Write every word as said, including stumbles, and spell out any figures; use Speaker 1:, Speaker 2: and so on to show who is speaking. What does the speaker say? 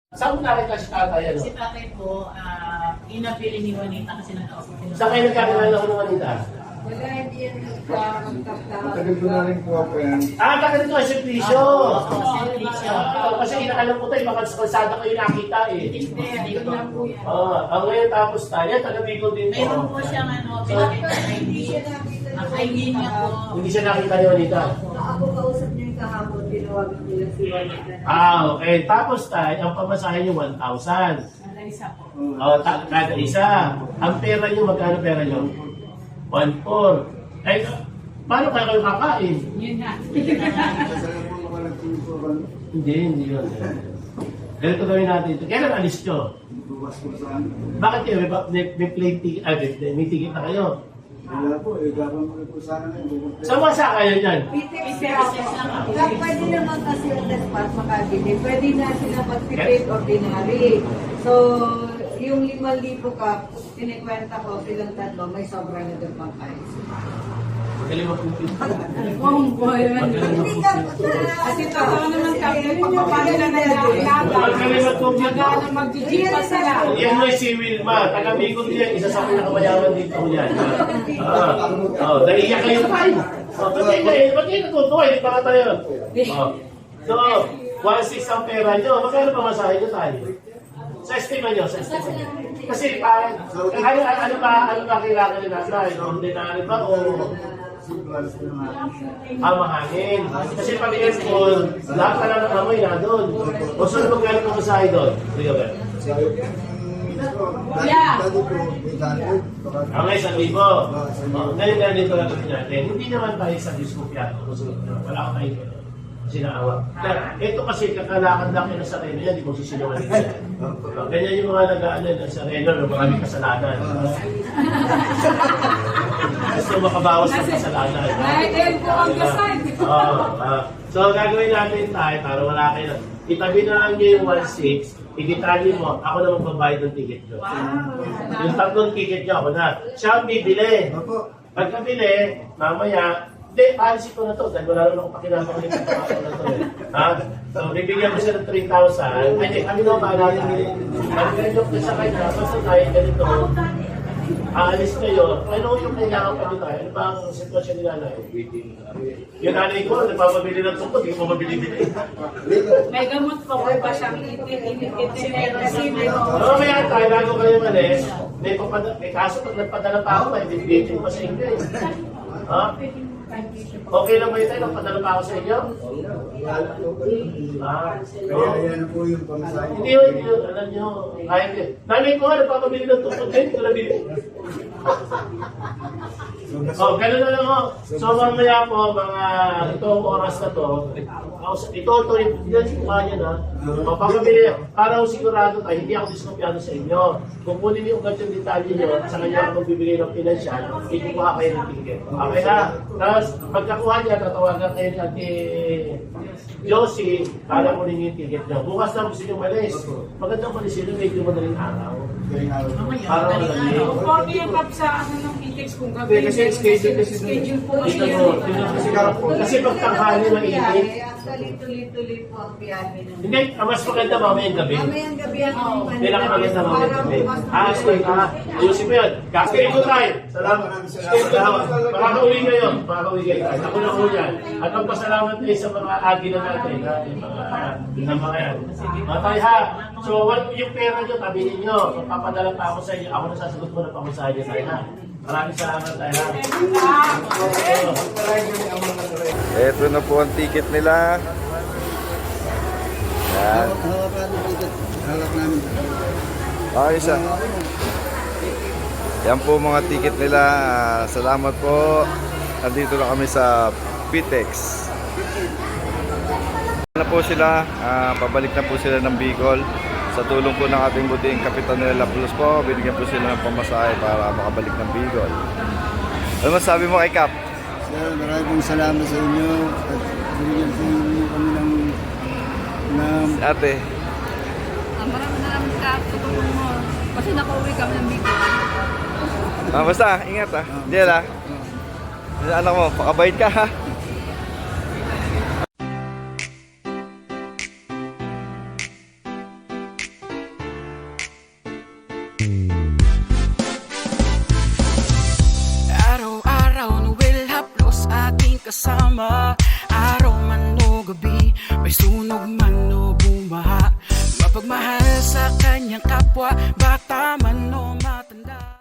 Speaker 1: Saan mo nakita si tatay? Ano?
Speaker 2: Si tatay po, uh, inapili ni Juanita kasi nag-ausap sila.
Speaker 1: Saan kayo nagkakilala ko ng Juanita?
Speaker 3: Wala, hindi yan nagkakagtapos.
Speaker 4: Matagal ko na rin po ako yan.
Speaker 1: Ah, taga dito si Prisyo.
Speaker 2: Oo, si Prisyo.
Speaker 1: Ah, kasi inaalam ko tayo, baka sa kalsada kayo nakita eh.
Speaker 2: Hindi, dito lang po yan.
Speaker 1: Ah, ang ngayon tapos tayo, taga Bicol din po.
Speaker 2: Mayroon po siyang ano, pinakita na hindi. Ang I D niya po.
Speaker 1: Hindi siya nakita ni Juanita.
Speaker 3: Ako kausap niya yung kahapon, tinawagan nila si Juanita.
Speaker 1: Ah, okay. Tapos tayo, ang pamasahe niyo one thousand.
Speaker 2: Ang isa po.
Speaker 1: Oh, ta- kada isa. Ang pera niyo, magkano pera niyo? one four. Eh, paano kaya kayo kakain?
Speaker 2: Yun na.
Speaker 4: Kasi po mga nagtuturo
Speaker 1: Hindi, hindi yun. Ganito gawin natin ito. Kailan alis nyo?
Speaker 4: bukas ko saan.
Speaker 1: Bakit kayo? May, may, may plane ticket, ah, may, may ticket na kayo.
Speaker 4: Wala po, eh, gagawin ko po sana ngayon.
Speaker 1: Saan masa kayo dyan?
Speaker 3: Pitex
Speaker 2: Pitex lang ako.
Speaker 3: Kaya pwede naman kasi on the spot makabili. Pwede na sila mag-prepaid ordinary. So, yung limang libo ka, tinikwenta ko silang tatlo, may sobra na doon pang kain.
Speaker 1: Magaling mag-compute.
Speaker 2: Oh, boy.
Speaker 3: Hindi ka,
Speaker 5: Kasi totoo naman kami, pagpapano na nalalaman.
Speaker 1: Magaling mag-compute.
Speaker 5: Magana mag-G pa sila.
Speaker 1: Yan mo si Wilma. Taga Bicol yan. Isa sa pinakamayaman dito yan. Ah, oh, naiiyak kayo tayo. Oh, ba't kayo kayo? Ba't kayo natutuwa? Hindi pa nga tayo. Oh. So, one six ang pera nyo. Magkano pa masahe nyo tayo? Sa estima nyo, sa estima nyo. Kasi parang, ano, ano, ano ba, ano ba kailangan nila tayo? Ordinary ba o
Speaker 4: Plus ko naman.
Speaker 1: ah, mahangin? Kasi pag aircon, lahat ka lang ng amoy na doon. O saan magkano pa masahe doon? Kuya ba?
Speaker 4: Sabi ko,
Speaker 5: Yeah.
Speaker 4: dati po, eight hundred. Baka
Speaker 1: Ang okay, sa libo. Oh, ngayon na dito lang natin. Hindi naman tayo sa diskupyan. Wala ko tayo gano'n. Sinaawa. Ito kasi kakalakad lang yun sa reno yan, di mo susunungan nila. Oh, ganyan yung mga nag-ano sa reno, no, maraming kasalanan. Gusto makabawas ng kasalanan.
Speaker 5: Right there po on the side.
Speaker 1: Oo, ah. So, gagawin natin tayo para wala kayo. Itabi na lang nyo yung one six, i-detalye mo, ako na magbabayad ng ticket nyo. Yung tatlong ticket nyo, ako na. Siya ang bibili.
Speaker 4: Opo.
Speaker 1: Pagkabili, mamaya, hindi, policy ko na to, dahil wala naman akong pakinama ko nito na to eh. Ha? So, bibigyan ko siya ng three thousand. Ay, hindi, kami naman ba natin? Ang ganito ko sa kanya, basta tayo ganito, aalis kayo, ano yung kailangan pa nito? Ano ba ang sitwasyon nila na yung nanay ko, nagpapabili ng tungkol, hindi ko mabili-bili.
Speaker 5: May gamot po ko pa siyang itin-itin kasi may
Speaker 1: Oo, kaya tayo, bago kayo malis, may, papada, may kaso pag nagpadala pa ako, may bibigyan pa sa inyo eh. Ha? Okay lang ba yun tayo? Nagpadala pa ako sa inyo? Ah,
Speaker 4: Kaya yan po yung pamasahe.
Speaker 1: hindi yun, hindi yun, alam nyo, kaya nyo. Nanay ko nga, nagpapabili ng tungkol, kayo, hindi ko nabili. Oh, gano'n na lang ho. So, mamaya po, mga itong oras na to, ito, ito, yan yung mukha niya na. Mapapabili, para ho sigurado tayo, hindi ako diskopyado sa inyo. Kung kunin niyo ugat yung detalye niyo, sa kanya ako magbibigay ng pinansyal, ikukuha kayo ng ticket. Okay na? Tapos, pagkakuha niya, tatawagan kayo ni Ate Josie, para kunin yung ticket niyo. Bukas na gusto niyo malis. Magandang malis yun, medyo madaling araw. Para madali.
Speaker 5: Conforme yung kap sa ano ng Pitex kung
Speaker 4: Hindi,
Speaker 5: gagawin.
Speaker 4: kasi schedule kasi
Speaker 5: schedule po kasi
Speaker 1: Ito
Speaker 5: yun.
Speaker 1: mo, tingnan kasi kasi pag tanghali mainit.
Speaker 3: Actually, tuloy-tuloy po ang biyahe ng
Speaker 1: Hindi, ang mas maganda mamayang gabi.
Speaker 3: Mamayang gabi ang mga
Speaker 1: Hindi lang maganda mamayang gabi. Ah, sorry, ah, ayusin mo yun. Kaskirin ko tayo. Salamat. Salamat. Makakauwi kayo. Makakauwi kayo tayo. Ako na po yan. At magpasalamat tayo sa mga agi na natin. Ha? Yung mga, yung mga yan. Mga tayo ha. So, what, yung pera nyo, tabi ninyo. Papadala pa ako sa inyo. Ako na sasagot mo na pa ako sa inyo tayo ha. Maraming salamat tayo ha.
Speaker 6: Ito na po ang ticket nila. Yan.
Speaker 4: Hawak namin ticket. Hawak namin.
Speaker 6: Ayos ah. Yan po mga ticket nila. Ah, Salamat po. Nandito na kami sa Pitex. Na po sila, ah, pabalik na po sila ng Bicol. Sa tulong po ng ating buting Kapitan nila Plus po, binigyan po sila ng pamasahe para makabalik ng Bicol. Ano masabi mo kay Kap?
Speaker 4: Sir, maraming salamat sa inyo. At binigyan po ninyo kami ng ng
Speaker 6: Si ate.
Speaker 7: Ah, maraming maraming salamat sa tulong mo. Kasi nakauwi kami ng Bicol.
Speaker 6: Ah, basta, ingat ah. Diyan ah. Anak mo, pakabait ka ha.
Speaker 8: Araw-araw Noel haplos ating kasama. Araw man o gabi, may sunog man o bumaha, mapagmahal sa kanyang kapwa.